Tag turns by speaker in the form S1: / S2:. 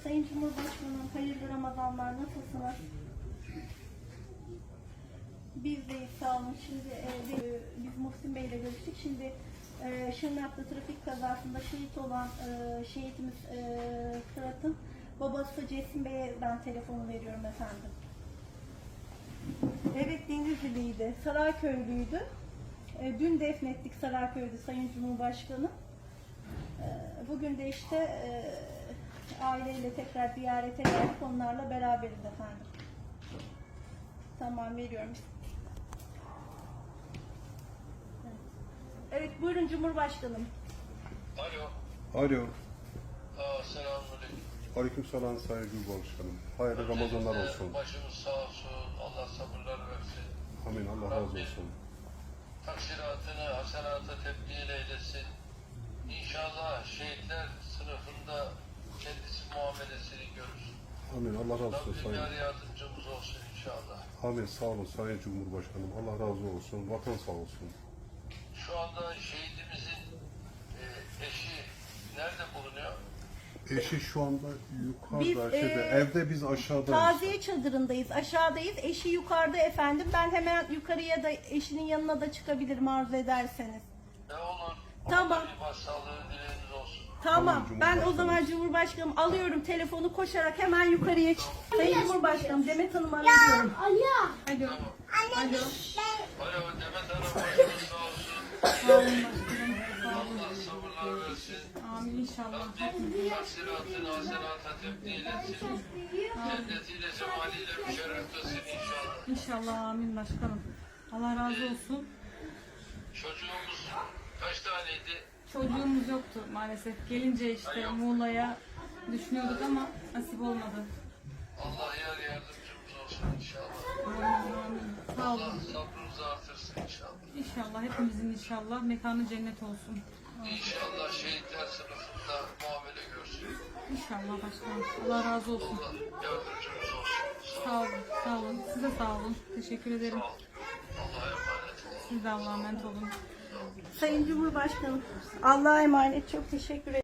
S1: Sayın Cumhurbaşkanım, hayırlı Ramazanlar, nasılsınız? Biz deyiz, sağ olun. Şimdi biz Muhsin Bey ile görüştük. Şimdi Şırnak'ta trafik kazasında şehit olan şehitimiz Fırat'ın babası Cesim Bey'e ben telefonu veriyorum efendim. Evet, Denizliliydi, Sarayköylüydü. Dün defnettik Sarayköy'de Sayın Cumhurbaşkanı. Bugün de işte aileyle tekrar ziyarete geldik. Onlarla beraberiz efendim. Tamam, veriyorum. Evet, buyurun Cumhurbaşkanım.
S2: Alo.
S3: Alo.
S2: Selamünaleyküm.
S3: Aleykümselam Sayın Cumhurbaşkanım. Hayırlı Ramazanlar olsun.
S2: Başımız sağ olsun. Allah sabırlar versin.
S3: Amin. Allah razı olsun.
S2: Taksiratını hasenata tebdil eylesin. İnşallah şehitler sınıfında kendisi muamelesini görür.
S3: Amin. Allah razı olsun
S2: Rabbim
S3: Sayın.
S2: yar yardımcımız olsun inşallah.
S3: Amin. Sağ olun Sayın Cumhurbaşkanım. Allah razı olsun. Vatan sağ olsun.
S2: Şu anda şehidimizin eşi nerede bulunuyor?
S3: Eşi şu anda
S1: Biz,
S3: yukarıda, evde, biz aşağıdayız.
S1: Taziye çadırındayız, aşağıdayız. Eşi yukarıda efendim. Ben hemen yukarıya da eşinin yanına da çıkabilirim arzu ederseniz.
S2: Ne olur.
S1: Tamam.
S2: Bir başsağlığı dileğiniz olsun.
S1: Tamam,
S3: Tamam,
S1: ben o
S3: Cumhurbaşkanım.
S1: zaman Cumhurbaşkanım alıyorum telefonu, koşarak hemen yukarıya çık. Sayın Cumhurbaşkanım, Demet Hanım'ı arıyorum. Alo. Alo. Alo.
S2: Alo Demet Hanım, başınız sağ olsun.
S1: Sağ olun başkanım. Sağ olun.
S2: Allah sabırlar versin.
S1: Amin inşallah.
S2: Rabbim taksiratını hasenata tebdil etsin. Cennetiyle, cemaliyle müşerref kılsın inşallah.
S4: İnşallah, amin başkanım. Allah razı olsun.
S2: Çocuğumuz kaç taneydi?
S4: Çocuğumuz yoktu maalesef. Gelince işte Muğla'ya düşünüyorduk ama nasip olmadı.
S2: Allah yar yardımcımız olsun inşallah.
S4: Amin, amin. Sağ
S2: Allah
S4: olun.
S2: sabrınızı artırsın inşallah.
S4: İnşallah hepimizin inşallah mekanı cennet olsun.
S2: İnşallah şehitler sınıfında muamele görsün.
S4: İnşallah başkanım. Allah razı olsun.
S2: Allah yardımcımız olsun.
S4: Sağ olun, sağ olun. Size sağ olun. Teşekkür ederim.
S2: Sağ olun. Allah'a emanet olun.
S4: Siz de Allah'a emanet olun.
S1: Sayın Cumhurbaşkanım, Allah'a emanet, çok teşekkür ederim.